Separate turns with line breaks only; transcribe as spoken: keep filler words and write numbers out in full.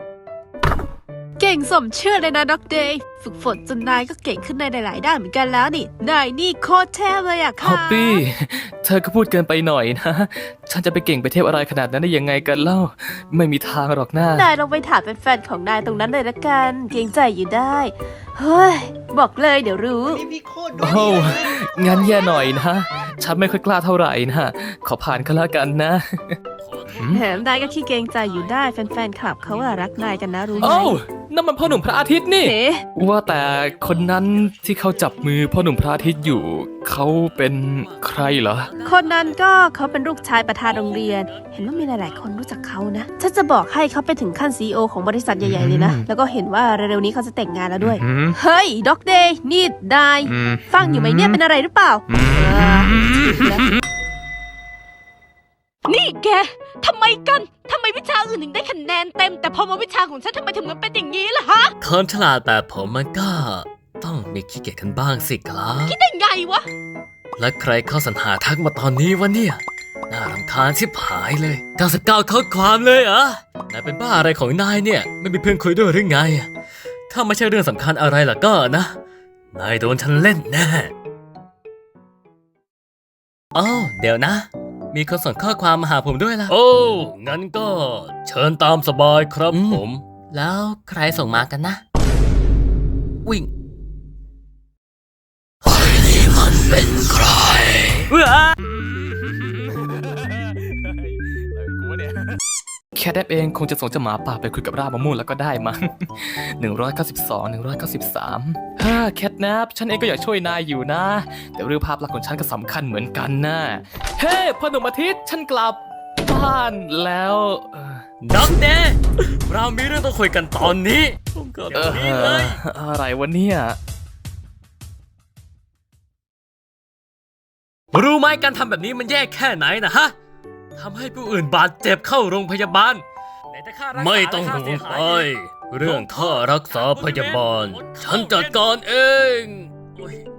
เก่งสมชื่อเลยนะด็อกเดย์ฝึกฝนจนนายก็เก่งขึ้นในหลายๆด้านเหมือนกันแล้วนี่นายนี่โคตรเทพเลยอะค่ะ
ฮอปปี้ เธอก็พูดเกินไปหน่อยนะ ฉันจะไปเก่งไปเทพอะไรขนาดนั้นได้ยังไงกันเล่า ไม่มีทางหรอกหน้าน
ายลองไปถามแฟนๆของนายตรงนั้นเลยละกันเกรงใจอยู่ได้เฮ้ยบอกเลยเดี๋ยวรู้
นี่พี่โคตรดู
โอ้
ดีเลย
งั้นแย่หน่อยนะ ฉันไม่ค่อยกล้าเท่าไหร่นะ ขอผ่านก็แล้วกันนะ
แถมนายก็ขี้เกรงใจอยู่ได้แฟนๆคลับเขาอะรักนายกันนะรู้ไหม
โอ้นั่นมันพ่อหนุ่มพระอาทิตย์นี่
เอ๊ะ
ว่าแต่คนนั้นที่เขาจับมือพ่อหนุ่มพระอาทิตย์อยู่ เขาเป็นใครเหรอ
คนนั้นก็เขาเป็นลูกชายประธานโรงเรียน เห็นว่ามีหลายๆคนรู้จักเขานะฉันจะบอกให้เขาไปถึงขั้นซีอีโอของบริษัทใหญ่ๆเลยนะ
อืม
แล้วก็เห็นว่าเร็วๆนี้เขาจะแต่งงานแล้วด้วย
อืม
เฮ้ยด็อกเดย์นี่นาย
อืม
ฟังอยู่ไหมเนี่ยเป็นอะไรหรือเปล่า
อืม
เออนี่แกทำไมกันทำไมวิชาอื่นถึงได้คะแนนเต็ม แต่พอมาวิชาของฉันทำไมถึงมันเป็นอย่างนี้ล่ะฮะ
คนฉลาดแบบผมมันก็ต้องมีขี้เกียจกันบ้างสิครับ
ได้ไงวะ
และใครเข้าสรรหาทักมาตอนนี้วะเนี่ย น่ารำคาญชิบหายเลยเก้าสิบเก้าข้อความเลยเหรอนายเป็นบ้าอะไรของนายเนี่ย ไม่มีเพื่อนคุยด้วยหรือไง ถ้าไม่ใช่เรื่องสำคัญอะไรล่ะก็นะ นายโดนฉันเล่นแน่อ้าวเดี๋ยวนะ มีคนส่งข้อความมาหาผมด้วยล่ะ โอ้ งั้นก็เชิญตามสบายครับผม แล้วใครส่งมากันนะ วิ่งใครนี่มันเป็นใครว้า
แคทแอปเองคงจะส่งเจ้าหมาป่าไปคุยกับรากมะม่วงแล้วก็ได้มั้ง หนึ่งร้อยเก้าสิบสอง หนึ่งร้อยเก้าสิบสามฮ่าแคทแนปฉันเองก็อยากช่วยนายอยู่นะ แต่เรื่องภาพลักษณ์ของฉันก็สำคัญเหมือนกันนะ เฮ้พ่อหนุ่มอาทิตย์ฉันกลับบ้านแล้วเอ่อ
ดังเน่เรามีเรื่องต้องคุยกันตอนนี้ก็
เอ
เดี๋ยวนี้เลย
ออะไรวะเนี่ย
รู้ไหมการทำแบบนี้มันแย่แค่ไหนนะฮะทำให้ผู้อื่นบาดเจ็บเข้าโรงพยาบาล ไม่ต้องห่วงไปเรื่องค่ารักษาพยาบาล ฉันจัดการเองโอ๊ย